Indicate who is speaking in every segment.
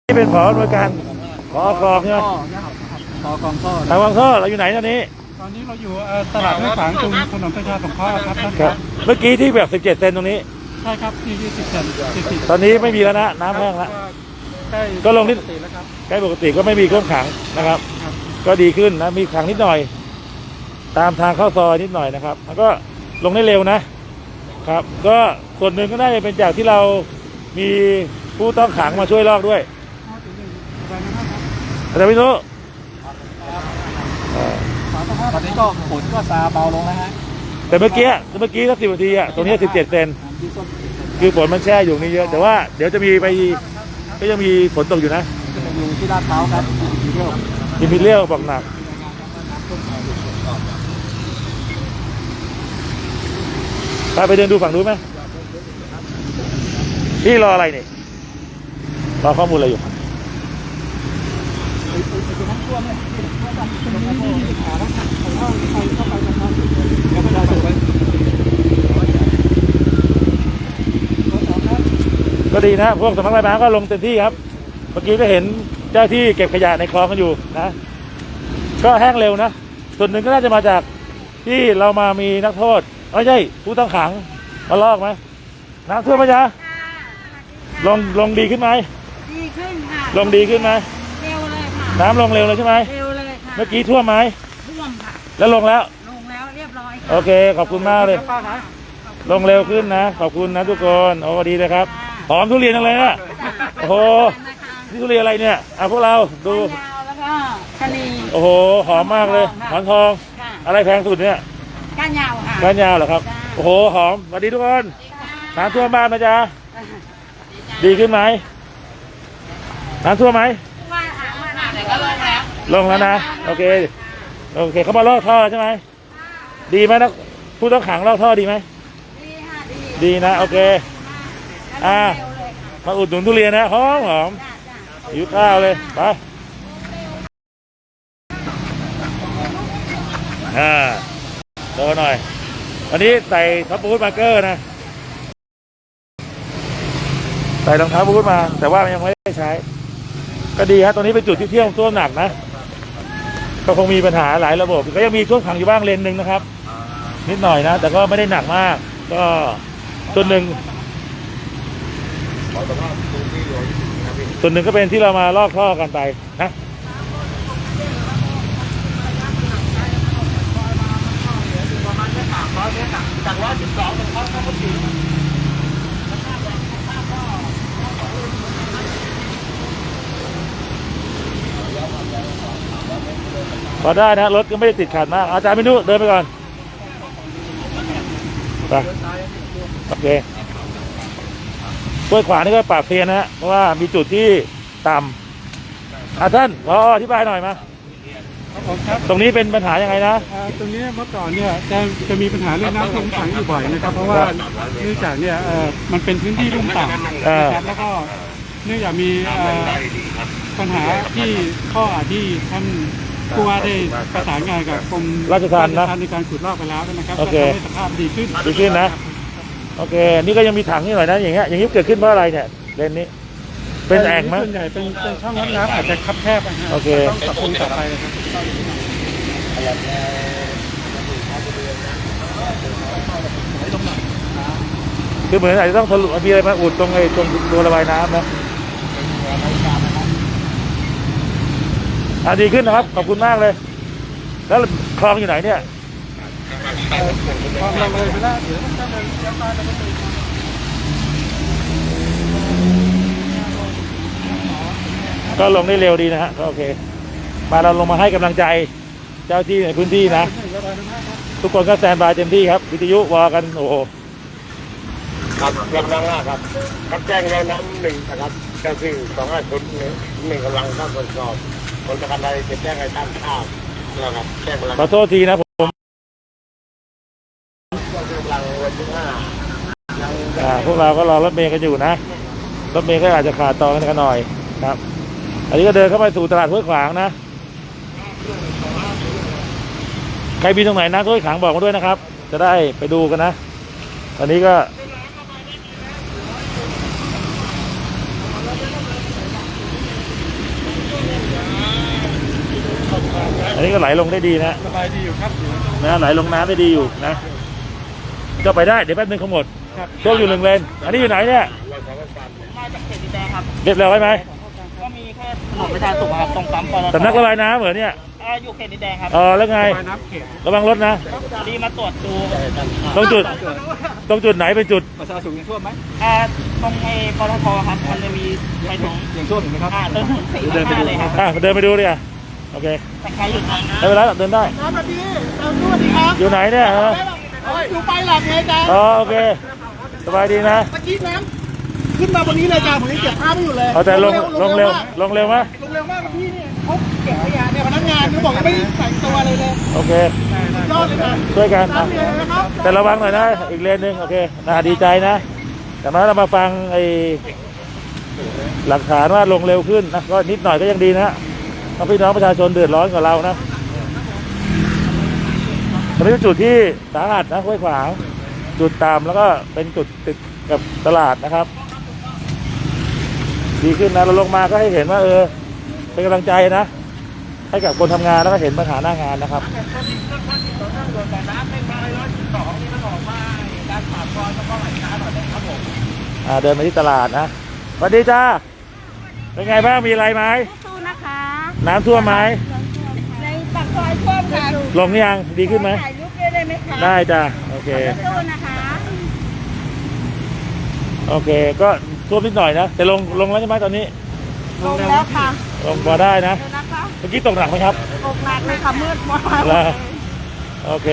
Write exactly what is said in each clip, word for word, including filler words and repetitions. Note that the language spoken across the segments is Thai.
Speaker 1: นี่เป็นผอหน่วยการผอกองใช่ไหม
Speaker 2: ผอกองท่อ
Speaker 1: ทางกองท่อเราอยู่ไหนตอนนี้
Speaker 2: ตอนนี้เราอยู่ตลาดห้วยขวางตรงถนนประชาสงเคราะห์ครับท่านครับ
Speaker 1: เมื่อกี้ที่แบบสิบเจ็ดเซนตรงนี้
Speaker 2: ใช่ครับที่ยี่สิบเซน
Speaker 1: ตอนนี้ไม่มีแล้วนะน้ำแห้งแล้วก็ลงนิดใกล้ปกติก็ไม่มีท่วมขังนะครับก็ดีขึ้นนะมีขังนิดหน่อยตามทางเข้าซอยนิดหน่อยนะครับแล้วก็ลงได้เร็วนะครับก็ส่วนหนึ่งก็น่าจะเป็นจากที่เรามีผู้ต้องขังมาช่วยลอกด้วยแต่ไม่รู้
Speaker 2: ตอนนี้ก็ฝนก็ซาเบาลงแล้วฮะ
Speaker 1: แต่เมื่อกี้เมื่อกี้สักสิบนาทีอ่ะตรงนี้สิบเจ็ดเซนคือฝนมันแช่อยู่นี่เยอะแต่ว่าเดี๋ยวจะมีไปก็ยังมีฝนตกอยู่นะ
Speaker 2: อยู่ที่ลาดพร้าวครับ
Speaker 1: มีมีเลี้ยวบอกหนักไปไปเดินดูฝั่งนู้นไหมพี่รออะไรนี่รอข้อมูลอะไรอยู่ก็ดีนะพวกสำนักระบายน้ำก็ลงเต็มที่ครับเมื่อกี้ก็เห็นเจ้าที่เก็บขยะในคลองกันอยู่นะก็แห้งเร็วนะส่วนหนึ่งก็น่าจะมาจากที่เรามามีนักโทษไม่ใช่ผู้ต้องขังมาลอกไหมน้ำท่วมไหมจ๊ะลงลงดีขึ้นไหม
Speaker 3: ดีขึ้นค่ะ
Speaker 1: ลงดีขึ้นไหม
Speaker 3: เร็วเลยค่ะ
Speaker 1: น้ำลงเร็วเลยใช่ไหม
Speaker 3: เร็วเลยค่ะ
Speaker 1: เมื่อกี้ท่วมไหม
Speaker 3: ท่วมค่ะ
Speaker 1: แล้วลงแล้ว
Speaker 3: ลงแล้วเรียบร้อย
Speaker 1: โอเคขอบคุณมากเลยลงเร็วขึ้นนะขอบคุณนะทุกคนโอ้ดีเลยครับหอมทุเรียนอะไรนะโอ้โหนี่ทุเรียนอะไรเนี่ยอ่ะพวกเราดู
Speaker 3: แล้วก็ชะนี
Speaker 1: โอ้โหหอมมากเลยหอมทองอะไรแพงสุดเนี่ย
Speaker 3: ก้านยาวค่ะ
Speaker 1: ก้านยาวเหรอครับโอ้โหหอมสวัสดีทุกคนน้ำท่วมบ้านไหมจ๊ะดีขึ้นไหมน้ำท่วมไหม
Speaker 3: ว่าอ่างมาเดี๋ยวก็ลงแล้ว
Speaker 1: ลงแล้วนะโอเคโอเคเขามาลอกท่อใช่ไหมดีไหมนะผู้ต้องขังลอกท่อดีไหม
Speaker 3: ดีค่ะดี
Speaker 1: ดีนะโอเคอ่ามาอุดหนุนทุเรียนนะหอมหอมหิวข้าวเลยไปอ่าโตหน่อยวันนี้ใส่ท็อปบูทมาร์เกอร์นะใส่รองเท้าบูทมาแต่ว่ายังไม่ได้ใช้ก็ดีฮะตรงนี้เป็นจุดที่เที่ยวท่วมหนักนะก็คงมีปัญหาหลายระบบก็ยังมีท่วมขังอยู่บ้างเลนหนึ่งนะครับนิดหน่อยนะแต่ก็ไม่ได้หนักมากก็ส่วนหนึ่งส่วนหนึ่งก็เป็นที่เรามาลอกท่อกันไปนะพอได้นะรถก็ไม่ได้ติดขัดมากอาจารย์ไม่รู้เดินไปก่อนไปโอเคห้วยขวางนี่ก็ปราบเซียนนะฮะเพราะว่ามีจุดที่ต่ำอ่ะท่านรออธิบายหน่อยมาตรงนี้เป็นปัญหายังไงนะ
Speaker 2: ตรงนี้เมื่อก่อนเนี่ยจะจะมีปัญหาเรื่องน้ำท่วมขังอยู่บ่อยนะครับเพราะว่าเนื่องจากเนี่ยมันเป็นพื้นที่ลุ่มต่ำนะครับแล้วก็เนื่องจากมีปัญหาที่ข้อที่ท่านผู้ว่าได้ประสานงานกับกรม
Speaker 1: ราชทัณฑ์นะ
Speaker 2: ในการขุดลอกไปแล้วนะครับ
Speaker 1: โอเค
Speaker 2: สภาพดีขึ้น
Speaker 1: ดีขึ้นนะโอเคนี่ก็ยังมีถังนี่หน่อยนะอย่างเงี้ยอย่างนี้เกิดขึ้นเพราะอะไรเนี่ยเลนนี้เป็นแอ่งมั้ย
Speaker 2: ส่วนใหญ่เป็นช่องน้ำอาจจะคับแคบนะฮะ
Speaker 1: โอเค
Speaker 2: ต้องปรับปรุงต่อไปนะครับ
Speaker 1: คือเหมือนอาจจะต้องทะลุมีอะไรมาอุดตรงไอ้ตรงตัวระบายน้ำนะอ่ะดีขึ้นนะครับขอบคุณมากเลยแล้วคลองอยู่ไหนเนี่ย
Speaker 2: คลองเราเลยไปแล้วเดี๋ยวต้องเดินเลี้ยวซ้ายแล้วก็ไป
Speaker 1: ก็ลงได้เร็วดีนะฮะก็โอเคมาเราลงมาให้กำลังใจเจ้าที่ในพื้นที่นะทุกคนก็แซนบายเต็มที่ครับวิทยุวอกันโอ้โห
Speaker 4: ครับกำลังล่าครับครับแจ้งเราน้ำหนึ่งนะครับเจ้าที่สองห้าศูนย์หนึ่งกำลังเข้าตรวจสอบคนประกันใดจะแจ้งให้ท่านทราบนะครับแจ้งกำลัง
Speaker 1: ขอโทษทีนะผม
Speaker 4: กำลังวันที่ห้า
Speaker 1: พวกเราก็รอรถเมล์กันอยู่นะรถเมล์ก็อาจจะขาดต่อกันหน่อยครับอันนี้ก็เดินเข้าไปสู่ตลาดห้วยขวางนะใครมีตรงไหนนะห้วยขวางบอกมาด้วยนะครับจะได้ไปดูกันนะตอนนี้ก็ กอันนี้ก็ไหลลงได้ดีนะ
Speaker 2: สบายดีอยู่ครับ
Speaker 1: นะไหลลงน้ำได้ดีอยู่นะก็ไปได้เดี๋ยวแป๊บนึงเขาหมด
Speaker 2: ครับ
Speaker 1: ช่วงอยู่หนึ่งเลนอันนี้อยู่ไหนเนี่ย
Speaker 5: มาจากเขตดินแดงครับ
Speaker 1: เรียบร้อยไหม
Speaker 5: ก็มีแค่ถนนประชาสุขครับตรงปั๊มปตท
Speaker 1: สำนักระบายน้ำเหรอเนี่ย
Speaker 5: อ่าอยู่เขตดินแดงครับ
Speaker 1: อ๋อแล้วไง
Speaker 2: ปลายน้ำเขต
Speaker 1: ระวังรถนะ
Speaker 5: พอดีมาตรวจดู
Speaker 1: ตรงจุดตรงจุดไหนเป็นจุด
Speaker 2: ประชาชนยังท่วมไหม
Speaker 5: อ่าตรงไอ้ปตทครับมันจะมีไปถึง
Speaker 2: ยังท่วมอยู่ไหมครับ
Speaker 5: อ่าเติมถึงสี่สิบห้าเลยครับ
Speaker 1: อ่ะเดินไปดูดิอ่ะโอเค
Speaker 5: แต่ใครอยู่ทางนะ
Speaker 1: ไม่เป็นไรหรอกเดินได้
Speaker 3: สวัสดีเราสวัสดีครับ
Speaker 1: อยู่ไหนเนี่ยฮะ
Speaker 3: อยู่ไปหลับไงจ๊ะ
Speaker 1: อ๋อโอเคสบายดีนะ
Speaker 3: เมื่อกี้น้ำขึ้นมาบนนี้เลยจ้าผมยังเก็บภาพไม่อยู่เลย
Speaker 1: เอาแต่ลงลงเร็วลงเร็วไหม
Speaker 3: ลงเร็วมากพี่เนี่ยเขาเก็บขยะเนี่ยพนักงานเขาบอกยังไม่ได้แต่งตัวเลยเลย
Speaker 1: โอเค
Speaker 3: ยอดเลยนะ
Speaker 1: ช่วยกัน
Speaker 3: ตา
Speaker 1: อ่ะ
Speaker 3: มเลยนะครับ
Speaker 1: แต่ระวังหน่อยนะอีกเลนหนึ่งโอเคน่าดีใจนะแต่มาเรามาฟังไอ้หลักฐานว่าลงเร็วขึ้นนะก็นิดหน่อยก็ยังดีนะเพราะพี่น้องประชาชนเดือดร้อนกว่าเรานะตอนนี้เป็นจุดที่สาหัสนะห้วยขวางจุดต่ำแล้วก็เป็นจุดติดกับตลาดนะครับ ดีขึ้นนะเราลงมาก็ให้เห็นว่าเออเป็นกำลังใจนะให้กับคนทำงานแล้วก็เห็นปัญหาหน้างานนะครับอ่าเดินมาที่ตลาดนะสวัสดีจ้าเป็นไงบ้างมีอะไรไหม
Speaker 3: สู้นะคะ
Speaker 1: น้ำท่วมไหม
Speaker 3: ในปากซอยท่วมค่ะ
Speaker 1: ลงยังดีขึ้นไหม
Speaker 3: ถ่ายรูปด้วยได้ไหมคะ
Speaker 1: ได้จ้าโอเค
Speaker 3: สู้นะคะ
Speaker 1: โอเคก็ท่วมนิดหน่อยนะแต่ลงลงแล้วใช่ไหมตอนนี้
Speaker 3: ลงแล้วค่ะ
Speaker 1: ลงพอได้นะ
Speaker 3: เดี๋ยวนะคะ
Speaker 1: เมื่อกี้ตกหนักไหมครับ
Speaker 3: ตกหนักเลยค่ะมืดมาก
Speaker 1: แล้วโอเค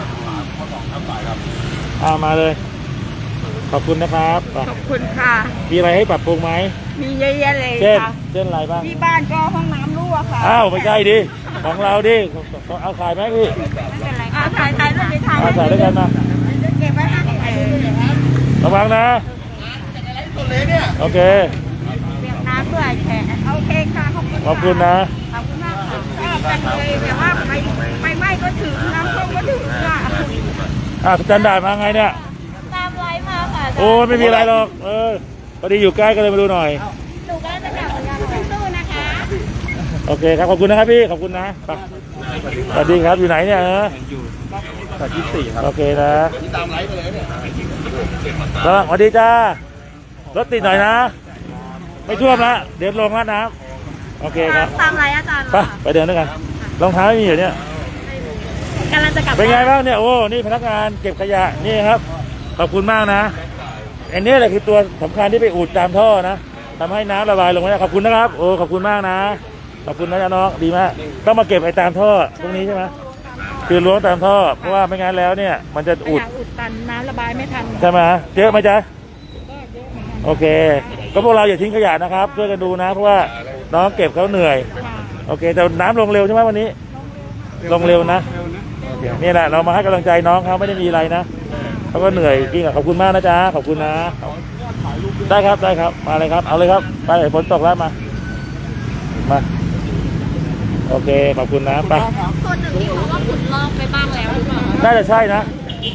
Speaker 1: อ่ามาเลย ขอบคุณนะครับอ่ะ
Speaker 3: ขอบคุณค่ะ
Speaker 1: มีอะไรให้ปรับปรุงไหม
Speaker 3: มีเยอะแยะเลย
Speaker 1: เช่น
Speaker 3: ค่ะ
Speaker 1: เช่นอะไรบ้าง
Speaker 3: ที่บ้านก็ห้องน้ำรั่วค่ะ
Speaker 1: อ้าวไม่ใช่ดิของเราดิเอาขายไหมพี่
Speaker 3: ไม่เป็นไรค่ะถ่ายถ่ายรูปถ่าย
Speaker 1: เอาถ่ายด้วยกันมา
Speaker 3: เก็บไว้ให้เออ
Speaker 1: ระวังนะโอเค
Speaker 3: เปียกน้ำด้วยแขกโอเคค่ะขอบคุณ
Speaker 1: ขอบคุณนะ
Speaker 3: ขอบคุณมากค่ะชอบกันเลยแต่ว่าไปไปไหม้ก็ถึงน้ำท่วมก็ถึงค่ะ
Speaker 1: อ่าสแตนดาร์ดมาไงเนี่ย
Speaker 3: ตามไลฟ์มาค่ะ
Speaker 1: โอ้ยไม่มีอะไรหรอกเออพอดีอยู่ใกล้ก็เลยมาดูหน่อย
Speaker 3: หนูก็จะกลับเหมือนกันสู้ๆนะคะ
Speaker 1: โอเคครับขอบคุณนะครับพี่ขอบคุณนะไปสวัสดีครับอยู่ไหนเนี่ยฮะ
Speaker 2: สายยี่สิบสี่ครับ
Speaker 1: โอเคนะตามไลฟ์ไปเลยเนี่ยสวัสดีจ้ารถติดหน่อยนะ ไม่ท่วมละเดี๋ยวลงแล้วน้ำโอเคครับ
Speaker 3: ตามไลฟ์อาจารย์
Speaker 1: ไปไปเดินด้วยกันรองเท้าไม่มีเหรอเนี่ย
Speaker 3: กำลังจะกลับ
Speaker 1: เป็นไงบ้างเนี่ยโอ้นี่พนักงานเก็บขยะนี่ครับขอบคุณมากนะอันนี้แหละคือตัวสำคัญที่ไปอุดตามท่อนะทำให้น้ำระบายลงมาขอบคุณนะครับโอ้ขอบคุณมากนะขอบคุณนะจ๊ะน้องดีมากต้องมาเก็บไอ้ตามท่อตรงนี้ใช่ไหมคือล้วงตามท่อเพราะว่าไม่งั้นแล้วเนี่ยมันจะอุด
Speaker 3: อุดตันน้ำระบายไม่ทัน
Speaker 1: ใช่ไหมเยอะไหมจ๊ะโอเค ก็พวกเราอย่าทิ้งขยะนะครับช่วยกันดูนะ เพราะว่าน้องเก็บเขาเหนื่อยโอเคแต่น้ำลงเร็วใช่ไหมวันนี้ ลงเร็วนะ
Speaker 2: เร็วนะ
Speaker 1: โอเคนี่แหละเรามาให้กำลังใจน้องเขาไม่ได้มีอะไรนะเขาก็เหนื่อยจริงอ่ะขอบคุณมากนะจ๊ะขอบคุณนะได้ครับได้ครับมาเลยครับเอาเลยครับไปฝนตกแล้วมามาโอเคขอบคุณนะไป
Speaker 3: ส่วนหนึ่งที่เขาว่าขุดลอกไปบ้างแล้วหรือเปล่า
Speaker 1: น่าจะใช่นะ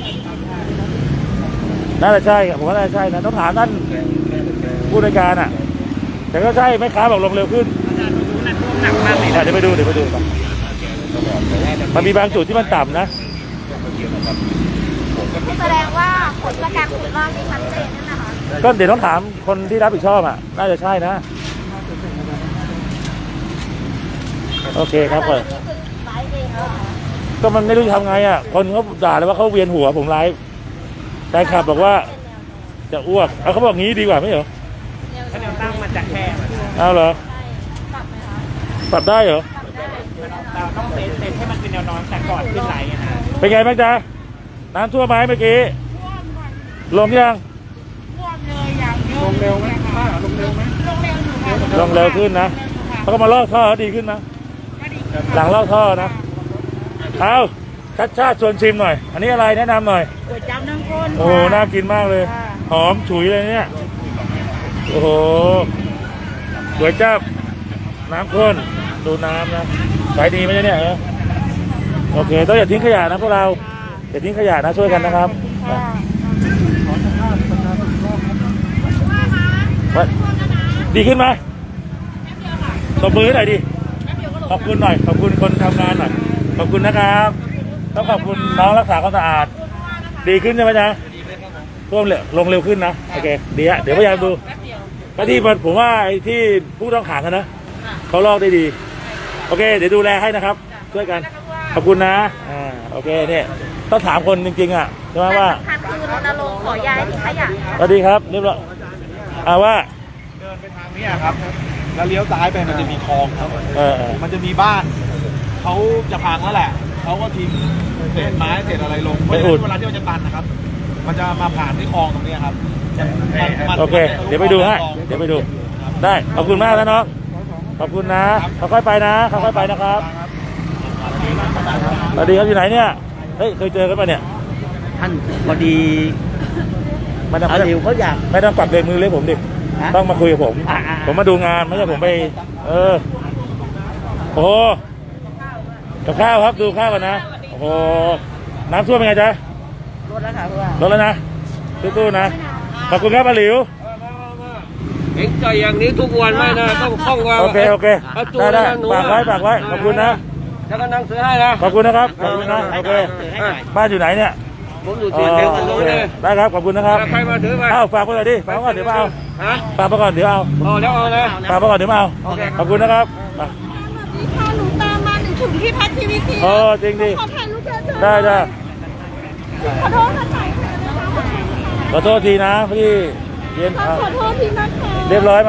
Speaker 1: น่าจะใช่ครับผมว่าน่าจะใช่นะต้องถามท่านผู้ในวยการอ่ะ แต่ก็ใช่ไม่ค้าบอกลงเร็วขึ้นอ่ะเดี๋ยวไปดูเดี๋ยวไปดูก่อนมันมีบางจุดที่มันต่ำนะ
Speaker 3: แสดงว่าผลจากการขุดลอกนี่ชัดเจนนั่นนะคะ
Speaker 1: ก็เดี๋ยวต้องถามคนที่รับผิดชอบอ่ะ น่าจะใช่นะ โอเคครับเปิด
Speaker 3: ไลฟ์เองเหรอ
Speaker 1: ก็มันไม่รู้จะทำไงอ่ะ คนเขาด่าเลยว่าเขาเวียนหัวผมไลฟ์แต่ขับบอกว่าจะอ้วกเอาเขาบอกงี้ดีกว่าไม่เหรอ
Speaker 5: ถ้าแนวตั้งมันจะแคบ
Speaker 1: เอาเหรอ
Speaker 3: ปรับไหมคะ
Speaker 1: ปรับได้เหรอ
Speaker 5: เราต้องเซตเซตให้มันเป็นแนวนอนแต่ก่อนขึ้นไหลนะ
Speaker 1: เป็นไงบ้างจ๊ะน้ำท่วมไหมเมื่อกี้
Speaker 3: ท่วมก่อน
Speaker 1: ลงยัง
Speaker 3: ท่วมเลยอย่างเยอะ
Speaker 2: ลงเร็วไหมป้าลงเร็วไหม
Speaker 3: ลงเร็วอยู่ค่ะ
Speaker 1: ลงเร็วขึ้นนะเขาก็มาลอกท่อดีขึ้นนะ
Speaker 3: ก็ดีขึ้น
Speaker 1: หลังลอกท่อนะเอาชัดชาติชวนชิมหน่อย อันนี้อะไรแนะนำหน่อย
Speaker 3: ก๋วยจั๊บน้ำข้น
Speaker 1: โอ้โหน่ากินมากเลย
Speaker 3: ค่ะ
Speaker 1: หอมฉุยเลยเนี่ยโอ้โหก๋วยจั๊บน้ำข้นดูน้ำนะขายดีไหมเนี่ยเออโอเคต้องอย่าทิ้งขยะนะพวกเราอย่าทิ้งขยะนะช่วยกันนะครับ
Speaker 3: ค่ะ
Speaker 1: ว่าดีขึ้นไหมตบมือหน่อยดิขอบคุณหน่อยขอบคุณคนทำงานหน่อยขอบคุณนะครับต้องขอบคุณน้องรักษาความสะอาดดีขึ้นใช่ไหมจ๊ะท่วมเร็วลงเร็วขึ้นนะโอเคดีฮะเดี๋ยวพยายามดูก็ที่ผมว่าไอ้ที่ผู้ต้องขังกันนะเขาลอกได้ดีโอเคเดี๋ยวดูแลให้นะครับช่วยกันขอบคุณนะอ่าโอเคเนี่ยต้องถามคนจริงๆอ่ะใช่ไหมว่า
Speaker 3: สำคัญคือรณรงค์ขอย้ายที่ขยะ
Speaker 1: สวัสดีครับเรียบร้อยอ่าว่า
Speaker 6: เดินไปทางนี้ครับ แล้วเลี้ยวซ้ายไปมันจะมีคลองครับ
Speaker 1: เออเออ
Speaker 6: มันจะมีบ้าน เขาจะพังแล้วแหละ เขาก็ทิ้งเศษไม้เศษอะไรลงเพราะฉะนั้นเวลาที่มันจะตันนะครับ มันจะมาผ่านที่คลองตรงนี้ครับมันมัน
Speaker 1: โอเค เดี๋ยวไปดูฮะเดี๋ยวไปดูได้ขอบคุณมากนะน้องขอบคุณนะค่อยๆไปนะค่อยๆไปนะครับสวัสดีครับอยู่ไหนเนี่ยเฮ้ยเคยเจอกันปะเนี่ย
Speaker 7: ท่านพอดี
Speaker 1: ไม่ต้อง
Speaker 7: อาหลิวเขาอยาก
Speaker 1: ไม่ต้องปักเบรกมือเลยผมดิ
Speaker 7: ฮะ
Speaker 1: ต้องมาคุยกับผม
Speaker 7: อ่าๆ
Speaker 1: ผมมาดูงานไม่ใช่ผมไป เออโอ้โหกับข้าวครับดูข้าวกันนะโอ้โหน้ำท่วมเป็นไงจ๊ะ
Speaker 7: รถแล้วค่ะผู้ว่า
Speaker 1: ลดแล้วนะตู้ๆนะขอบคุณครับอาหลิว
Speaker 8: เอ็งใจอย่างนี้ทุกวันไม่นะต้องคล่องว่า
Speaker 1: โอเคโอเค
Speaker 8: าจู
Speaker 1: ได้ได้
Speaker 8: นะหนู
Speaker 1: ฝากไว้ฝากไว้ขอบคุณนะ
Speaker 8: แล้วก็นั่งซื้อให้นะ
Speaker 1: ขอบคุณนะครับขอบคุณนะโอเค
Speaker 7: ให้หน่อย
Speaker 1: บ้านอยู่ไหนเนี่ย
Speaker 8: ผมอยู่ที่เดียวกันตรงนี้
Speaker 1: ได้ครับขอบคุณนะครับ
Speaker 8: แล้วใครมาถือไป
Speaker 1: เอ้าฝากไปก่อนดิฝากไปก่อนเดี๋ยวมาเอา
Speaker 8: ฮะ
Speaker 1: ฝากไปก่อนเดี๋ยวเอา
Speaker 8: โอ้แล้วเอาเลย
Speaker 1: ฝากไปก่อนเดี๋ยวมาเอา
Speaker 8: โอเค
Speaker 1: ขอบคุณนะครับมา
Speaker 3: ค่ะหนูตามมาหนูถึงที่พักทีวีซี
Speaker 1: โอ้จริงดิ
Speaker 3: ขอถ่ายรูปเยอะๆ
Speaker 1: ได้ได้
Speaker 3: ขอโทษค่ะถ่าย
Speaker 1: ขอโทษทีนะพี่เย็นอ่ะ
Speaker 3: ขอโทษทีนะคะ
Speaker 1: เรียบร้อยไหม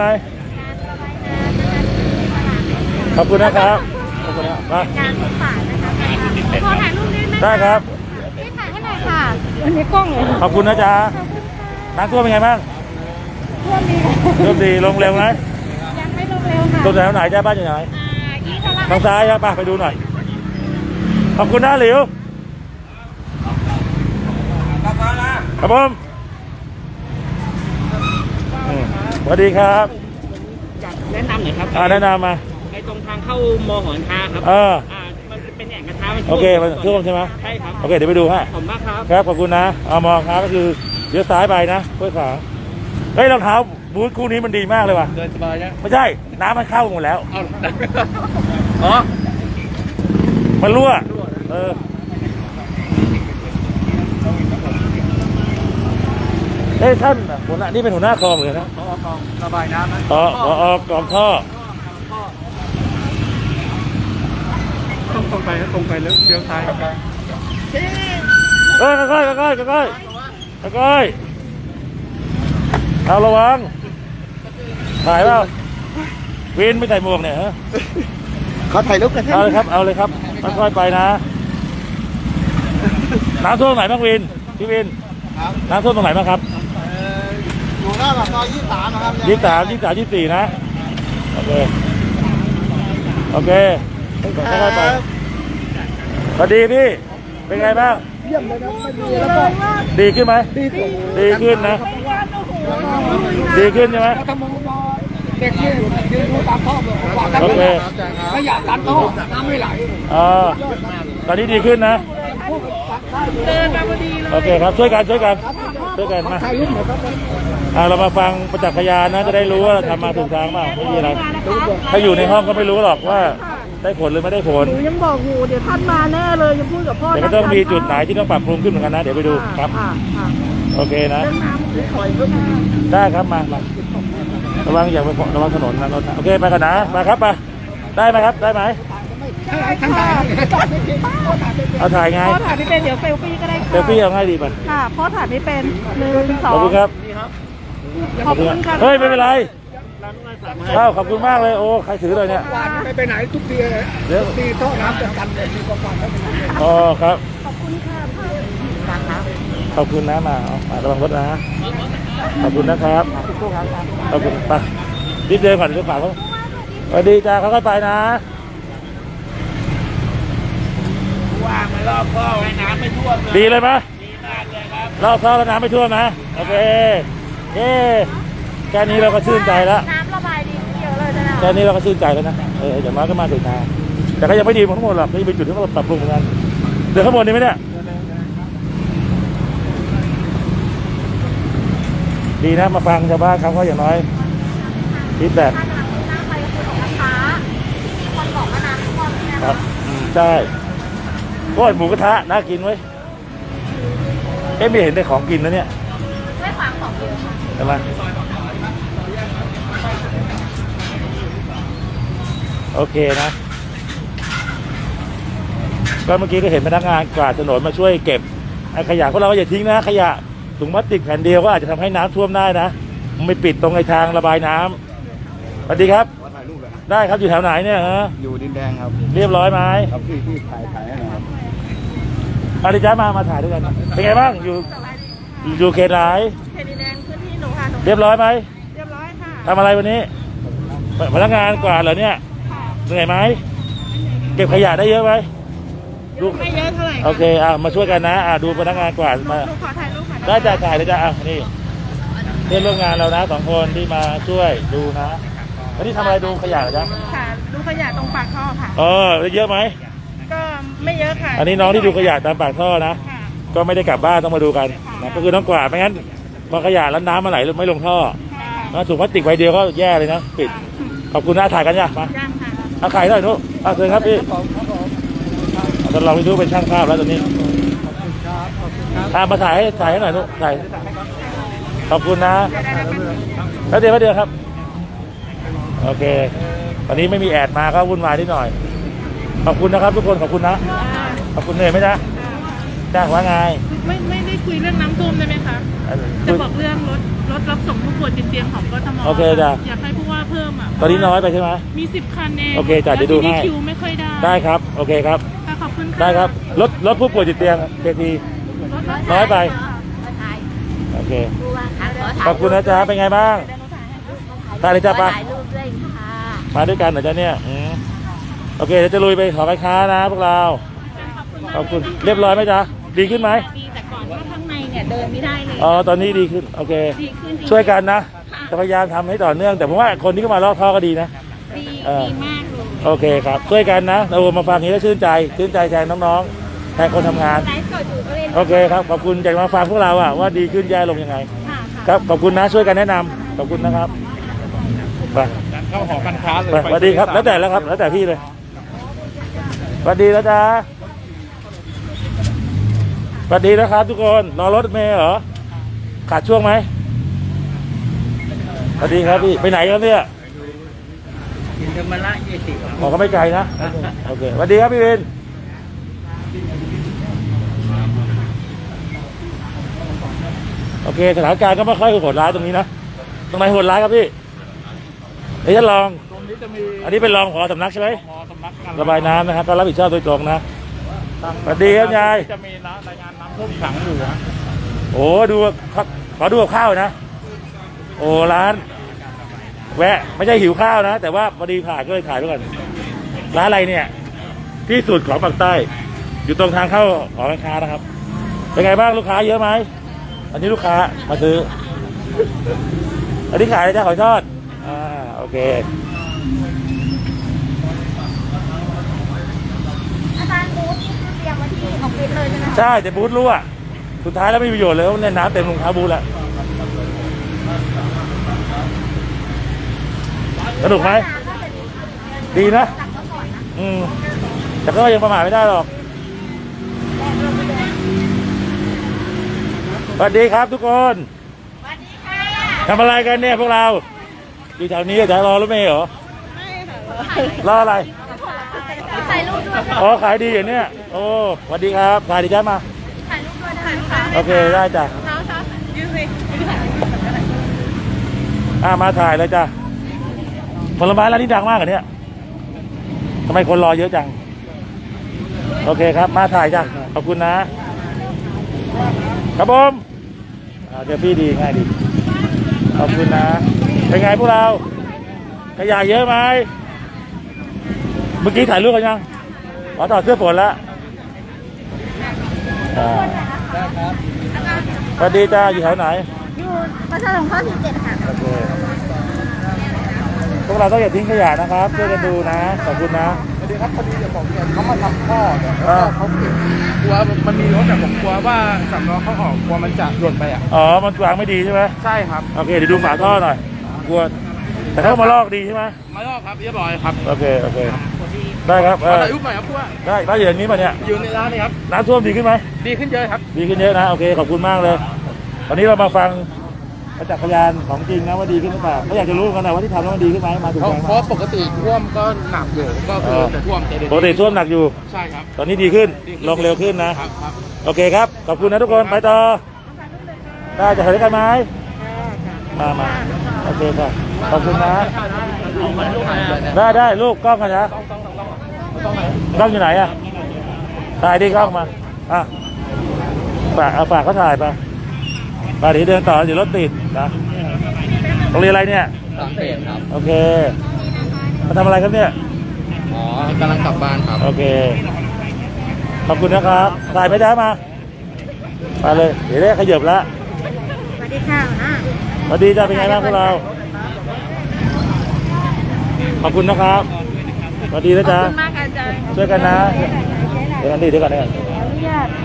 Speaker 1: ขอบคุณนะครับขอบคุณนะครับมา
Speaker 3: การสงสารนะคะขอถ่ายรูปได้ไหม
Speaker 1: ได้ครับ
Speaker 3: พี่ถ่ายให้หน่อยค่ะอันนี้กล้องเลย
Speaker 1: ขอบคุณนะจ๊ะน้ำท่วมเป็นไงบ้าง
Speaker 3: ท่วมดี
Speaker 1: ท่วมดีลงเร็วไหม
Speaker 3: ยังไม่ลงเร็วค่ะ
Speaker 1: ตรงไหนไหนจ้าบ้านอยู่ไหน
Speaker 3: อ่ายี่ทะลัก
Speaker 1: ทางซ้ายครับไปไปดูหน่อยขอบคุณนะหลิวครับผมอืมสวัสดีครับ
Speaker 5: อยากแนะนำหน่อยครับ
Speaker 1: อ่าแนะนำมา
Speaker 5: ไอ้ตรงทางเข้ามอหอนทาครับ
Speaker 1: เออ
Speaker 5: อ่ามันเป็นแอ่งกระทะมัน
Speaker 1: โอเคมันท่วมใช่ไหม
Speaker 5: ใช่ครับ
Speaker 1: โอเคเดี๋ยวไปดูฮะ
Speaker 5: ผมมากครับ
Speaker 1: ครับขอบคุณนะเอามองครับก็คือเลี้ยวซ้ายไปนะห้วยขวางเฮ้ยรองเท้าบูทคู่นี้มันดีมากเลยว่ะ
Speaker 6: เดินสบายนะ
Speaker 1: ไม่ใช่น้ำมันเข้าหมดแล้ว
Speaker 6: เอาอ๋อ
Speaker 1: มันรั่วเออเฮ้ยท่านหัวหน้านี่เป็นหัวหน้าคลองเลยนะ
Speaker 6: พอคลองระบายน้ำนะ
Speaker 1: อ๋ออ๋ออ๋อกองท่อ
Speaker 2: ต้องตรงไปครับตรงไปแล้วเลี้ยวซ้ายครับ
Speaker 1: เอ้ยค่อยๆค่อยๆค่อยๆค่อยๆเอาระวังถ่ายเปล่าวินไม่ใส่หมวกเนี่ยฮะ
Speaker 7: เขาถ่ายรูปกัน
Speaker 1: เอาเลยครับเอาเลยครับค่อยๆไปนะน้ำท่วมไหนบ้างวินพี่วินน้ำท่วมตรงไหนบ้างครับ
Speaker 6: อยู่หน้าปากซอยยี่สิบสามนะครับ
Speaker 1: ยี่สิบสามยี่สิบสามยี่สิบสี่นะโอเคโอเคค่อยๆไปสวัสดีพี่เป็นไงบ้าง
Speaker 7: เยี่ยมเลยนะไม่มีแล้วก็
Speaker 1: ดีขึ้นไหม
Speaker 7: ดีกว่า
Speaker 1: ดีขึ้นนะ ดีขึ้นใช่ไหม
Speaker 7: ถ้ามองมองเด็กยืนยืนดูตามท่อบอกว่ากัน
Speaker 1: โอเค
Speaker 7: ไม่อยากตัดท่อน้ำไม่ไหล
Speaker 1: อ่าตอนนี้ดีขึ้นนะ
Speaker 3: เดินมาพอดีเลย
Speaker 1: โอเคครับช่วยกันช่วยกันช่วยกันมา
Speaker 7: ถ่ายรูปหน่อยครับ
Speaker 1: อ่าเรามาฟังประจักษ์พยานนะจะได้รู้ว่าเราทำมาถูกทางเปล่าไม่มีอะไรถ้าอยู่ในห้องก็ไม่รู้หรอกว่าได้ผลหรือไม่ได้ผล
Speaker 3: หนูยังบอกอยู่เดี๋ยวท่านมาแน่เลยยังพูดกับพ่อ
Speaker 1: แต่ก็ต้องมีจุดไหนที่ต้องปรับปรุงขึ้นเหมือนกันนะเดี๋ยวไปดูครับ
Speaker 3: อ่าอ่า
Speaker 1: โอเคนะ
Speaker 3: เรื่องน้ำถอยก็มี
Speaker 1: ได้ครับมามาระวังอย่าไประวังถนนนะรถนะโอเคไปกันนะมาครับมาได้ไหมครับได้ไหม
Speaker 7: ทั้งถ่าย
Speaker 1: เอาถ่ายไง
Speaker 3: พ่อถ่ายไม่เป็นเดี๋ยวเซลฟี่ก็ได้ค่ะ
Speaker 1: เซลฟี่เอาง่ายดีป่ะ
Speaker 3: ค่ะพ่อถ่ายไม่เป็นหนึ่งสอ
Speaker 1: ขอบ
Speaker 3: ง
Speaker 1: คุณครับ
Speaker 3: ขอบคุณค่ะ
Speaker 1: เฮ้ยไม่เป็นไรเอ้าขอบคุณมากเลยโอ้ใครถือเลยเนี่ย
Speaker 7: วันไม่ไปไหนทุกทีเลย
Speaker 1: เดี๋ยว
Speaker 7: ทีท่อน้ำจะกันเลยทีกว่าๆไม่เป็นไร
Speaker 1: อ๋อครับ
Speaker 3: ขอบคุณค่ะพ่อ
Speaker 1: ขอบคุณนะมาเอามาระวังรถนะขอบคุณนะครับขอบคุณไปรีบเดินก่อนเดี๋ยวฝากเขาสวัสดีจ้าเขาค่อยไปนะ
Speaker 8: ว่างไม่รอบก็ให้น้ำไม่ท่วมเลย
Speaker 1: ดีเลยไหม
Speaker 8: ดีมากเลยครับ
Speaker 1: รอบท่อแล้วน้ำไม่ท่วมนะโอเคเย้แค่นี้เราก็ชื่นใจแล้ว
Speaker 3: น้ำระบายดีเยอะเลยนะ
Speaker 1: แค่นี้เราก็ชื่นใจแล้วนะเอออย่างน้อยก็มาถึงทางแต่ก็ยังไม่ดีทั้งหมดหรอกก็ยังเป็นจุดที่เราปรับปรุงเหมือนกันเดี๋ยวข้างบนนี้ไหมเนี่ยดีนะมาฟังชาวบ้านเขาก็อย่างน้อยคิดแบบ
Speaker 3: ถ้าน้ำไปคือของราคาคนบอกว่าน้ำ
Speaker 1: ครับใช่โอ้ยหมูกระทะน่ากินเว้ยเอ๊ะไม่เห็นได้ของกินนะเนี่ยไม่ฟังของกินใช่ไหมโอเคนะก็เมื่อกี้ก็เห็นพนักงานกวาดถนนมาช่วยเก็บไอ้ขยะพวกเราก็อย่าทิ้งนะขยะถุงพลาสติกแผ่นเดียวก็อาจจะทำให้น้ำท่วมได้นะมันไม่ปิดตรงไอ้ทางระบายน้ำสวัสดีครับได้ครับอยู่แถวไหนเนี่ยฮะ
Speaker 7: อยู่ดินแดงครับ
Speaker 1: เรียบร้อยไหม
Speaker 7: ครับที่ที่ถ่ายถ่ายให้หนะครับ
Speaker 1: อาดิจ้ามามาถ่ายด้วยกันเป็นไงบ้างอยู่อยู่เขตไหน
Speaker 3: เขตดินแดงพื้นที่หนูค่ะหนู
Speaker 1: เรียบร้อยไหม
Speaker 3: เรียบร้อยค่ะ
Speaker 1: ทำอะไรวันนี้พนักงานกวาดเหรอเนี่ยเหนื่อยไหมเก็บขยะได้เยอะไหมดู
Speaker 3: ไม่เยอะเท่าไหร่
Speaker 1: โอเคอ่ะมาช่วยกันนะอ่ะดูพนักงานกวาดมา
Speaker 3: หนูขอถ่ายรูปค่ะ
Speaker 1: ได้จ่ายถ่ายเลยจ้ะอ่ะนี่เพื่อนร่วมงานเรานะสองคนที่มาช่วยดูนะวันนี้ทำอะไรดูขยะเหรอจ๊ะ
Speaker 3: ค่ะดูขยะตรงปากท่อค่ะ
Speaker 1: เออได้เยอะไหม
Speaker 3: ก็ไม่เยอะค่ะ
Speaker 1: อันนี้น้องที่ดูขยะตามปากท่อนะ
Speaker 3: ค่ะ
Speaker 1: ก็ไม่ได้กลับบ้านต้องมาดูกันนะก็คือน้องกวาดไม่งั้นพอขยะแล้วน้ำมาไหลไม่ลงท่อ
Speaker 3: ค่ะ
Speaker 1: นะถุงพลาสติกใบเดียวก็แย่เลยนะปิดขอบคุณนะถ่ายกันจ้ะมา
Speaker 3: ย่างค่ะ
Speaker 1: เอาไข่หน่อยนุ๊กเอาเชิญครับพี่ตอนเราไปดูเป็นช่างภาพแล้วตอนนี้ตามมาถ่ายให้ถ่ายให้หน่อยนุ๊กถ่ายขอบคุณนะแล้วเดี๋ยวเดี๋ยวครับโอเควันนี้ไม่มีแอดมาก็วุ่นวายนิดหน่อยขอบคุณนะครับทุกคนขอบคุณนะขอบคุณเหนื่อยไหมจ๊ะจ้างว่าไง
Speaker 9: ไม่ไม่ได้คุยเรื่องน้ำท่วมได้ไหมคะ จะบอกเรื่องรถรถรับส่งผู้ป่วยติดเตียงของกทม
Speaker 1: โอเคจ้ะ
Speaker 9: อยากให้ผู้ว่าเพิ่มอ่ะ
Speaker 1: ตอนนี้น้อยไปใช่ไหม
Speaker 9: มีสิบคันเอง
Speaker 1: โอเคจ้ะเดี๋ยวดูให้
Speaker 9: แล้วทีนี้คิวไม่ค่อยได้
Speaker 1: ได้ครับโอเคครับ
Speaker 9: ค่ะขอบคุณค่ะ
Speaker 1: ได้ครับรถรถผู้ป่วยติดเตียงเคที
Speaker 9: รถรถ
Speaker 1: น้อยไปโอเคขอบคุณนะจ๊ะเป็นไงบ้างถ่ายเลยจ้ะปะ
Speaker 3: ถ่ายรูปด้วยค่ะ
Speaker 1: มาด้วยกันเหรอจ๊ะเนี่ยอืมโอเคเดี๋ยวจะลุยไปหอการค้านะพวกเราขอบคุณเรียบร้อยไหมจ๊ะดีขึ้นไหม
Speaker 3: ดีแต่ก่อนว่าข้างในเนี่ยเดินไม่ได้เลย
Speaker 1: อ๋อตอนนี้ดีขึ้นโอเค
Speaker 3: ดีขึ้นจริงๆ
Speaker 1: ช่วยกันนะจะพยายามทำให้ต่อเนื่อง แต่ผมว่าคนที่เข้ามาลอกท่อก็ดีนะ
Speaker 3: ดี
Speaker 1: เออ
Speaker 3: ดีมากเลย
Speaker 1: โอเคครับช่วยกันนะเรามาฟังอย่างนี้แล้วชื่นใจชื่นใจแทนน้องๆแทนคนทำงาน
Speaker 3: ไลฟ์สดอยู่ก็เลย
Speaker 1: โอเคครับขอบคุณจากมาฟังพวกเราอะว่าดีขึ้นแย่ลงยังไง
Speaker 3: ค่ะค่ะ
Speaker 1: ครับขอบคุณนะช่วยกันแนะนำขอบคุณนะครับไป
Speaker 6: เข้าหอการค้าเลย
Speaker 1: ไปสวัสดีครับแล้วแต่แล้วครับแล้วแต่พี่เลยสวัสดีแล้วจ้าสวัสดีนะครับทุกคนรอรถเมล์เหรอขาดช่วงไหมสวัสดีครับพี่ไปไหนครับเนี่ย
Speaker 5: กินธรรมะยี่สิบ
Speaker 1: ออกก็ไม่ไกลนะโอเคสวัสดีครับพี่วินโอเคสถานการณ์ก็ไม่ค่อยโหดร้ายตรงนี้นะตรงไหนโหดร้ายครับพี่เดี๋ยวฉันลอง
Speaker 2: ตรงนี้จะมี
Speaker 1: อันนี้เป็นรองผอสำนักใช่ไหม
Speaker 2: หมอสำนักงาน
Speaker 1: ระบายน้ำนะครับก็รับผิดชอบโดยตรงนะสวัสดีครับยาย
Speaker 2: จะมีนะรายงานน้ำท่วมขังอยู่นะ
Speaker 1: โอ้ดูขอขอดูกับข้าวนะโอ้ร้าน แวะไม่ใช่หิวข้าวนะ แต่ว่าพอดีผ่านก็เลยถ่ายด้วยกันร้านอะไรเนี่ย ที่สุดของปากใต้ อยู่ตรงทางเข้าหอการค้านะครับ เป็นไงบ้างลูกค้าเยอะไหมอันนี้ลูกค้ามาซื้อ อันนี้ขายอะไรจ้าหอยทอดอ่าโอเค
Speaker 3: อาจารย์บูธนี่คือเตรียมไว้ที่ออฟฟิศเลยใช่ไหมคะ
Speaker 1: ใช่แต่บูธรั่วสุดท้ายแล้วไม่มีประโยชน์เลยเพราะเนี่ยน้ำเต็มรองเท้าบูธแล้วสนุกไหมดีนะอืมแต่ก็ยังประมาทไม่ได้หรอกสวัสดีครับทุกคน
Speaker 3: สวัสดีค่ะ
Speaker 1: ทำอะไรกันเนี่ยพวกเราอยู่แถวนี้จะรอรถเมล์เหรอ
Speaker 3: ไม่ค่ะ
Speaker 1: รออะไร
Speaker 3: ถ่ายรูปด้วย
Speaker 1: อ๋อขายดีอย่างเนี้ยโอ้สวัสดีครับถ่ายดีจ้ามา
Speaker 3: ถ่ายรูปด้วยถ่ายรูปค่ะ
Speaker 1: โอเคได้จ้ะ
Speaker 3: เช้าเช้ายืนสิ
Speaker 1: อ่ามาถ่ายเลยจ้ะผลไม้ร้านนี้ดังมากเหรอเนี่ยทำไมคนรอเยอะจังโอเคครับมาถ่ายจ้ะขอบคุณนะครับผมอ่าเดี๋ยวพี่ดีง่ายดีขอบคุณนะเป็นไงพวกเราขยะเยอะไหมเมื่อกี้ถ่ายรูปกันยังขอต่อดเสื้อฝนแล้วอ่าสวัสดีจ้าอยู่แถวไหน
Speaker 3: อยู่ประชาสงเคราะห์สิบเจ็ดค่ะ
Speaker 1: โอเคพวกเราต้องอย่าทิ้งขยะนะครับช่วยกันดูนะขอบคุณนะ
Speaker 6: สวัสดีครับพอดีจะบอกเนี่ยเขามาทำท่อเนี่ยแล้ว
Speaker 1: อ่า
Speaker 6: ก็เขาเก็บกลัวมันมีรถแต่ผมกลัวว่าสำล้อเขาออกกลัวมันจะหล่นไปอ่ะ
Speaker 1: อ๋อมันวางไม่ดีใช่ไหม
Speaker 6: ใช่ครับ
Speaker 1: โอเคเดี๋ยวดูฝาท่อหน่อยกลัวแต่เขามาลอกดีใช่ไหม
Speaker 6: มาลอกครับเรียบร้อยครับ
Speaker 1: โอเคโอเค
Speaker 3: ส
Speaker 1: ได้ครับเออ
Speaker 6: ถ่ายรูปหน่อยครับพวก
Speaker 1: ได้ได้อย่างนี้ป่ะเนี่ย
Speaker 6: อยู่ในร้านนี่ครับ
Speaker 1: น้ำท่วมดีขึ้นไหม
Speaker 6: ดีขึ้นเยอะครับ
Speaker 1: ดีขึ้นเยอะนะโอเคขอบคุณมากเลยวันนี้เรามาฟังประจักษ์พยานของจริงนะว่าดีขึ้นหรือเปล่าเขาอยากจะรู้กันนะว่าที่ทำแล้วมันดีขึ้นไหมมาถูก
Speaker 6: เพราะ
Speaker 1: ทาง
Speaker 6: เพราะปกติท่วมก็หนักอยู่ก็คือจะท่วมแต่เดี๋ยว
Speaker 1: ปกติท่วมหนักอยู่
Speaker 6: ใช่ครับ
Speaker 1: ตอนนี้ดีขึ้นลงเร็วขึ้นนะครับ
Speaker 6: ครับ
Speaker 1: โอเคครับขอบคุณนะทุกคนไปต่อได้จะถ่ายด้วยกันไหมมามาโอเคค่ะขอบคุณนะได้ได้ลูกกล้องกันนะกล้องอยู่ไหนอะถ่ายดิกล้องมาอ่ะฝากเอาฝากเขาถ่ายไปไปเดี๋ยวเดินต่อเดี๋ยวรถติดนะโรงเรียนอะไรเนี่ย
Speaker 7: สามเศษครับ
Speaker 1: โอเคมาทำอะไรครับเนี่ย
Speaker 7: อ๋อกำลังกลับบ้านครับ
Speaker 1: โอเคขอบคุณนะครับถ่ายไม่ได้มามาเลยเดี๋ยวได้ขยับแล้ว
Speaker 3: สวัสดีค่ะนะ
Speaker 1: สวัสดีจ้าเป็นไงบ้างพวกเราขอบคุณนะครับสวัสดีนะจ๊ะ
Speaker 9: ขอบคุณมากค่ะอาจารย์
Speaker 1: ช่วยกันนะเดี๋ยวกันดีเดี๋ยวกันเดี๋ยวกัน
Speaker 3: อนุญาต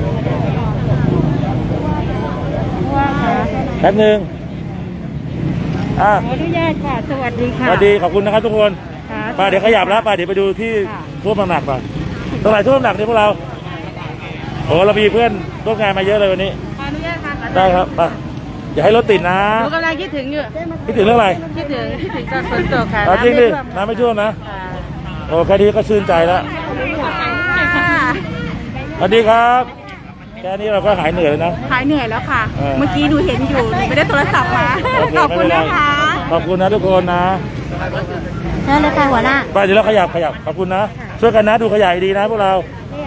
Speaker 3: ว่าค่ะ
Speaker 1: แป๊บหนึงอ่ะ
Speaker 3: ขออนุญาตค่ะ สวัสดี
Speaker 1: ส
Speaker 3: ค่ะ
Speaker 1: วัสดีขอบคุณนะครับทุกคน
Speaker 3: ค่ะ
Speaker 1: ไปเดี๋ยวขยับแล้วไปเดี๋ยวไปดูที่ท่วมหนักๆไปตรงไหนท่วมหนักเนี่ยพวกเราโอ้เรามีเพื่อนร่วมงานมาเยอะเลยวันนี้
Speaker 9: ขออนุญาตค่ะ
Speaker 1: ได้ครับไปอย่าให้รถติดนะ
Speaker 9: หนูกำลังคิดถึงอยู่
Speaker 1: คิดถึงเรื่องอะไร
Speaker 9: คิดถึงคิดถึงตอนฝนตกค่ะ
Speaker 1: เอาจริงดิ
Speaker 9: น้ำไม่ท่วม
Speaker 1: น้ำไม่ท่วมนะ
Speaker 9: ค่ะ
Speaker 1: โอ้แค่นี้ก็ชื่นใจแล้ว
Speaker 9: ค่ะ
Speaker 1: สวัสดีครับแค่นี้เราก็หายเหนื่อยแล้วนะ
Speaker 9: หายเหนื่อยแล้วค่ะ
Speaker 1: เออ
Speaker 9: เมื่อกี้ดูเห็นอยู่หนูไม่ได้โทรศัพท์มา
Speaker 1: โอเค
Speaker 9: ขอบ
Speaker 1: ไม่
Speaker 9: คุ
Speaker 1: เป็
Speaker 9: ณ
Speaker 1: นไร
Speaker 9: นะคะ
Speaker 1: ขอบคุณนะทุกคนนะ
Speaker 3: นั่นเลยค่ะหัวหน้า
Speaker 1: ไปเดี๋ยวเราขยับขยับขอบคุณนะช่วยกันนะดูขยายดีนะพวกเรา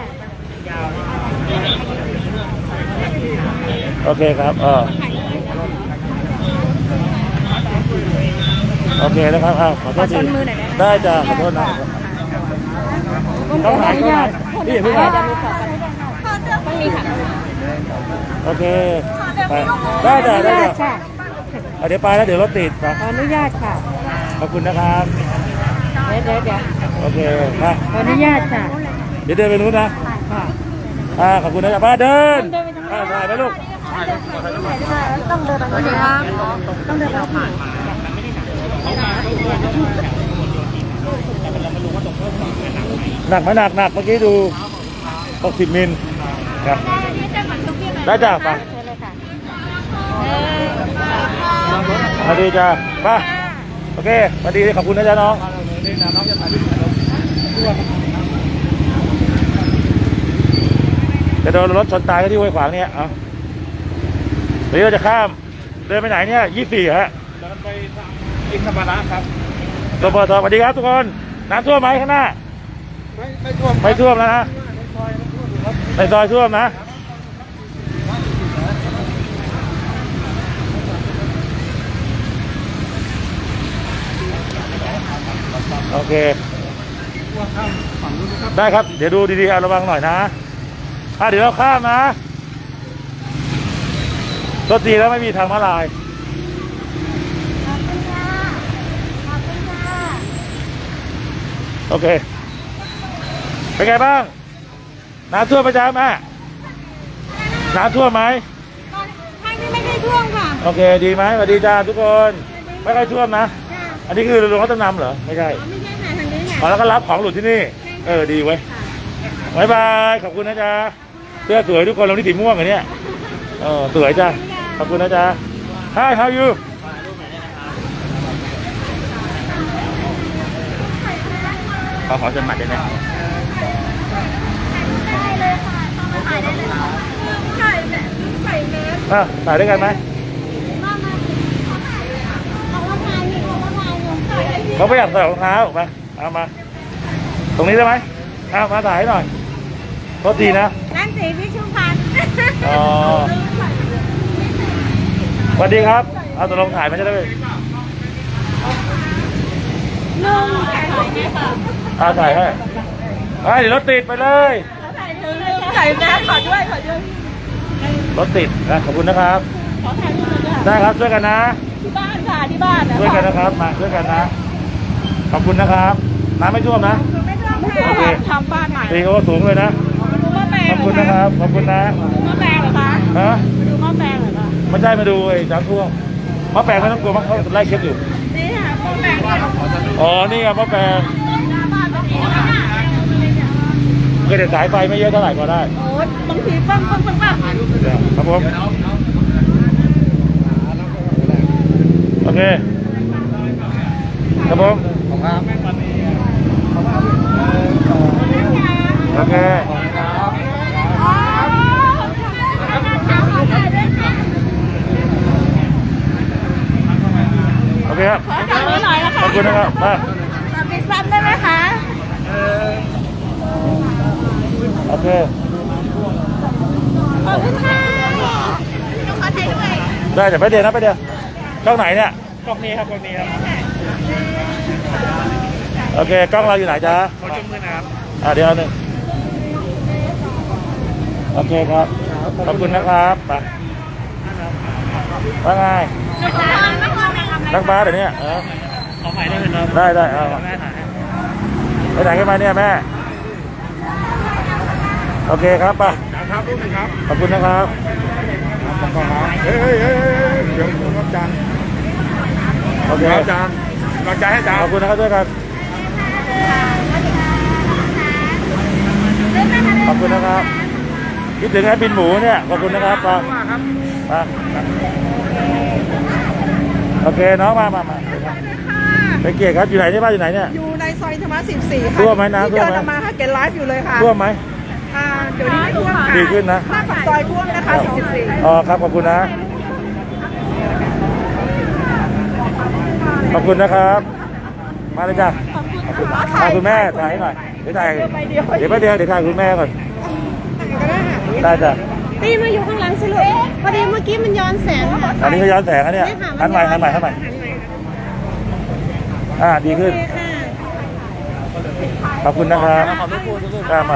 Speaker 1: โอเคครับเออโอเคนะครับอ้าวขอโทษทีได้จ้ะขอโทษนะต้องหายต้องหายพี่อย่าเพิ่งมาโอเคไปได้จ้ะได้จ้ะ
Speaker 3: ค่ะ
Speaker 1: เอาเดี๋ยวไปแล้วเดี๋ยวรถติดไป
Speaker 3: ขออนุญาตค่ะ
Speaker 1: ขอบคุณนะครับ
Speaker 3: เดี๋ยวเดี๋ยวเดี๋ยว
Speaker 1: โอเคมา
Speaker 3: ขออนุญาตค่ะ
Speaker 1: เดี๋ยวเดินไปนู้นนะ
Speaker 3: ค่ะ
Speaker 1: อ่าขอบคุณนะจ๊ะป้าเดินอ่าถ่ายไปลูก
Speaker 3: ต้องเดินไปนี้ต้องเดินไปนี้
Speaker 1: หนักไหมหนักหนักเมื่อกี้ดูหกสิบมิลครับได้จ้ะไป
Speaker 3: เชิญเลยค่ะ
Speaker 1: สวัสดีจ้ะไป้าโอเคสวัสดีขอบคุณนะจ๊ะน้องจะโดนรถชนตายก็ที่ห้วยขวางเนี่ยเอาเดี๋ยวเราจะข้ามเดินไปไหนเนี่ยยี่สี่ฮะ
Speaker 6: เดินไปทางอินธรรมระครับ
Speaker 1: ตัวเปิดตัวสวัสดีครับทุกคนน้ำท่วมไหมข้างหน้า
Speaker 6: ไม่ไม่ท่วม
Speaker 1: ไม่ท่วมแล้วนะในซอยท่วมนะโอเคได้ครับเดี๋ยวดูดีๆเอาระวังหน่อยนะอ่ะเดี๋ยวเราข้ามนะรถดีแล้วไม่มีทางม้าลายโอเคเป็นไงบ้างน้ำท่วมประจำไหมน้ำท่วมไหม
Speaker 3: ทางนี้ไม่ได้ท่วมค่ะ
Speaker 1: โอเคดีไหมสวัสดีจ้าทุกคนไม่ค่อยท่วมนะอันนี้คือโรงรับจำนำเหรอไม่ใช่
Speaker 3: ไม่ใช่ค่ะทางนี้
Speaker 1: อ๋อแล้วก็รับของหลุดที่นี่เออดีเว้ยบายบายขอบคุณนะจ๊ะเสื้อสวยทุกคนลงที่สีม่วงอันเนี้ยเออสวยจ้าขอบคุณนะจ๊ะ Hi how you
Speaker 6: ขอขอสมัครได้ไหม
Speaker 1: อ่ะถ่ายด้วยกันไหมเขาไม่อยากใส่รองเท้ามาเอามา ตรงนี้ได้ไหมเอามาถ่ายให้หน่อยโทษทีนะ
Speaker 3: ร้านสีพิชุพันธ์
Speaker 1: อ๋อสวัสดีครับ เอาตัวลงถ่ายมาจะได้ไหม
Speaker 3: ลุง
Speaker 1: เอาถ่ายให้ไปเดี๋ยวรถติดไปเลย
Speaker 3: ใส่แมสขอด้วยขอด้วย
Speaker 1: รถติดนะขอบคุณนะครับ
Speaker 3: ขอถ่ายรูปหน่อยค่ะ
Speaker 1: ได้ครับช่วยกันนะ
Speaker 3: ที่บ้านค่ะที่บ้านนะ
Speaker 1: ช่วยกันนะครับมาช่วยกันนะ ขอบคุณนะครับน้ำไม่ท่วมนะ
Speaker 3: ไม่ต้อง
Speaker 1: โอเค
Speaker 3: ทำบ้านใหม่
Speaker 1: ตีโอสูงเลยนะ
Speaker 3: ดูหม้อแปลง
Speaker 1: ขอบคุณนะครับขอบคุณนะ
Speaker 3: ดูหม้อแปลงเหรอคะ
Speaker 1: ฮะ
Speaker 3: ดูหม้อแปลงเหรอคะ
Speaker 1: ไม่ใช่มาดูไอ้น้ำท่วมมะแปลงไม่ต้องกลัวมะเขาไล่เช็ดอยู่
Speaker 3: นี่ค่ะหม้อแปลงเนี่ย
Speaker 1: อ๋อนี่ไงมะแปลง
Speaker 3: หน้าบ้านเมื่อกี้นะคะ
Speaker 1: ก็จะสายไฟไม่เยอะเท่าไหร่ก็ได้
Speaker 3: โอ้ยบางทีปั้งปั้งปั้งปั้ง
Speaker 1: ครับผมโอเคครับผมโอเคโอเคครับ
Speaker 3: ขอจับมือหน่อยนะคะ
Speaker 1: ขอบคุณนะครับมา
Speaker 3: จับปิดซ้ำได้ไหมคะ
Speaker 1: โอเค
Speaker 3: ขอบคุณค่ะต้องขอถ่ายด้วย
Speaker 1: ได้แต่ไปเดี๋ยวนะไปเดี๋ยวกล้องไหนเนี่ย
Speaker 5: กล้องนี้ครับกล้องนี้ครับ
Speaker 1: โอเคกล้องเราอยู่ไหนจ๊ะ
Speaker 5: ขอจุ่มมือนะครับ
Speaker 1: อ่ะเดี๋ยวหนึ่งโอเคครับขอบคุณนะครับไปว่าไงนักบาสเดี๋ยวนี้เออ
Speaker 5: ขอถ่ายได้ไหมครับ
Speaker 1: ได้ได้เอา
Speaker 5: แม่ถ่ายให้
Speaker 1: ไปไหนกันมาเนี่ยแม่โอเคครับไป
Speaker 2: ครับรูปหนึ่งครับ
Speaker 1: ขอบคุณนะครับ
Speaker 2: เฮ้ยเฮ้ยเฮ้ยเดี๋ยวรับจาน
Speaker 1: โอเค
Speaker 2: รับจานรับจานให้จาน
Speaker 1: ขอบคุณนะครับด้วยกันขอบคุณนะครับคิดถึงไอ้บินหมูเนี่ยขอบคุณนะครับมามาโอเคน้องมามามาไปเกียรติครับอยู่ไหนเนี่ยบ้านอยู่ไหนเนี่ย
Speaker 3: อยู่ในซอยธรรมะสิบสี่ค่ะ
Speaker 1: ท่วมไหมน้ำท่วมไหม
Speaker 3: ที่เดินออกมาค่ะเกณฑ์ไลฟ์อยู่เลยค่ะ
Speaker 1: ท่วมไหม
Speaker 3: อ่าเดี๋ยวนี้ไม่ท่วมค่ะ
Speaker 1: ดีขึ้นนะ
Speaker 3: หน้าปากซอยท่วมนะคะสี่สิบสี่
Speaker 1: อ๋อครับขอบคุณนะขอบคุณนะครับมาเลยจ้ะขอบคุณแม่ถ่ายให้หน่อยเดี๋ยวถ่ายเดี๋ยวแป๊บเดียวเดี๋ยวถ่ายคุณแม่ก่อนได้จ้ะ
Speaker 9: ตีมาอยู่ข้างหลังสิลูกพอดีเมื่อกี้มันย้อนแสงค่ะ
Speaker 1: อันนี้ก็ย้อนแสงอันเนี้ยหันใหม่หันใหม่หันใหม่อ่าดีขึ้นขอบคุณนะครับตามมา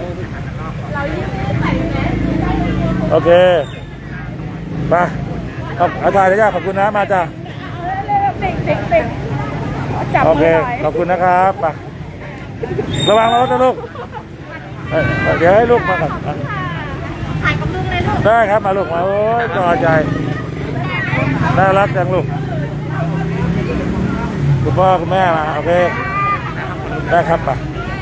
Speaker 1: โอเคมาขอบอาจารย์เลยจ้ะขอบคุณนะมาจ้ะ
Speaker 3: ติดติดติดจับ
Speaker 1: โอ
Speaker 3: มื
Speaker 1: เค
Speaker 3: อหน่อย
Speaker 1: ขอบคุณนะครับไประวังรถนะลูกเอ้ยเดี๋ยวให้ลูกมาก่อนอ่ะ
Speaker 3: ถ่ายกับลุงเลยลูก
Speaker 1: ได้ครับมาลูกมาโอ้ยจอใจน่ารักจังลูกคุณพ่อคุณแม่มาโอเคได้ครับมา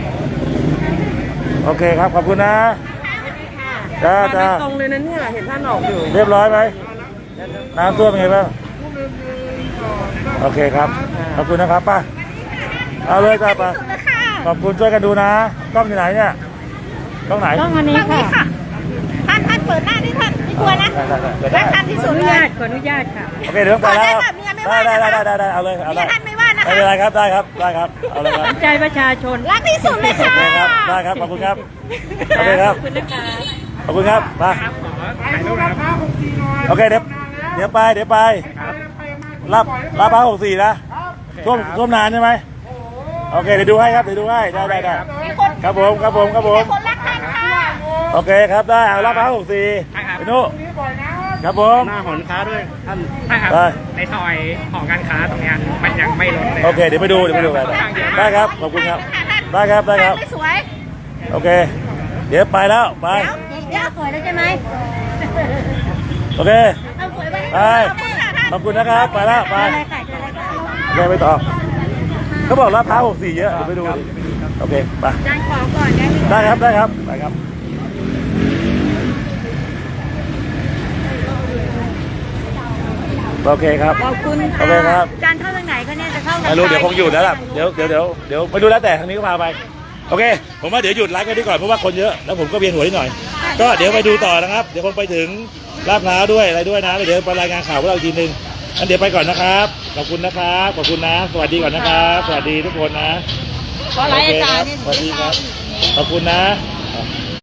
Speaker 1: โอเคครับขอบคุณนะจ้าจ้า
Speaker 3: ตรงเลยนะเนี่ยเห็นท่านออกอยู่
Speaker 1: เรียบร้อยไหมน้ำท่วมเป็นไงบ้างโอเคครับขอบคุณนะครับป้าเอาเลยจ้าป้าขอบคุณช่วยกันดูนะกล้องที่ไหนเนี่ยกล้องไหน
Speaker 9: ต้องอันนี้ค่ะ
Speaker 3: ท่านท่านเปิดหน้าที่ท่านไม่กลัวนะ
Speaker 1: ได้ได้ได้
Speaker 3: รักท่านที่สุดเลย
Speaker 9: ขออนุญาตค่ะ
Speaker 1: โอเคเดี๋ยวไปแล้ว
Speaker 3: ขอได้
Speaker 1: ได้
Speaker 3: แบบเมียไม่ว่านะคะ
Speaker 1: ได้ได้ได้ได้เอาเลยเอาเลย
Speaker 3: เมียท่านไม่ว่านะคะ
Speaker 1: ไม่เป็นไรครับได้ครับได้ครับเอาเลยครับ
Speaker 9: ใจประชาชน
Speaker 3: รักที่สุดเลย
Speaker 1: โอ
Speaker 3: ค่ะ
Speaker 1: เคครับได้ครับขอบคุณครับโอเคครับ
Speaker 9: ขอบคุณนะคะ
Speaker 1: ขอบคุณครับไป
Speaker 2: ถ่ายรูปนะครับ
Speaker 1: โอเคเดี๋ยวเดี๋ยวไปเดี๋ยวไปรับรับพระหกสี่นะท่วมท่วมนานใช่ไหมโอเคเดี๋ยวดูให้ครับเดี๋ยวดูให้ได้ได้ได้ครับผมครับผมครับผม
Speaker 3: คนรักท่านค่ะ
Speaker 1: โอเคครับได้เอารับพระหกสี่ไปนู่นครับผม
Speaker 5: หน้าหอการค้าด้วยท่านใช่ครับ
Speaker 1: ได้
Speaker 5: ในซอยหอการค้าตรงเนี้ยมันยังไม่ลดเลย
Speaker 1: โอเคเดี๋ยวไปดูเดี๋ยวไปดูกันได้ครับขอบคุณครับได้ครับได้ครับ
Speaker 3: ไม่สวย
Speaker 1: โอเค เดี๋ยวไปแล้วไป
Speaker 3: เดี๋ยวเดี๋ยวสวยแล้วใช่ไหม
Speaker 1: โอเค
Speaker 3: เอาสวยไป
Speaker 1: ไปขอบคุณนะครับไปแล้วไปไปไปต่อเขาบอกรับพร้าวหกสี่เยอะเดี๋ยวไปดูดิโอเคไป
Speaker 3: จานขอก่อนได้ไหม
Speaker 1: ได้ครับได้ครับไปครับโอเคครับ
Speaker 3: ขอบคุณ
Speaker 1: โอเคครับ
Speaker 3: จานเข้าทางไหนก็เนี่ยจะเข้าทาง
Speaker 1: ไม่รู้เดี๋ยวคงหยุดแล้วล่ะเดี๋ยวเดี๋ยวเดี๋ยวเดี๋ยวไม่รู้แล้วแต่ทางนี้ก็พาไปโอเค ผมว่าเดี๋ยวหยุดไลฟ์กันดีก่อนเพราะว่าคนเยอะแล้วผมก็เวียนหัวนิดหน่อย ก็เดี๋ยวไปดูต่อนะครับ เดี๋ยวคงไปถึงลาดพร้าวด้วยอะไรด้วยนะแล้วเดี๋ยวไปรายงานข่าวพวกเราอีกทีนึงงั้นเดี๋ยวไปก่อนนะครับขอบคุณนะครับขอบคุณนะสวัสดีก่อนนะครับสวัสดีทุกคนนะ
Speaker 3: ขอไลน์อาจารย์
Speaker 1: โอเคครับสวัสดีครับขอบคุณนะ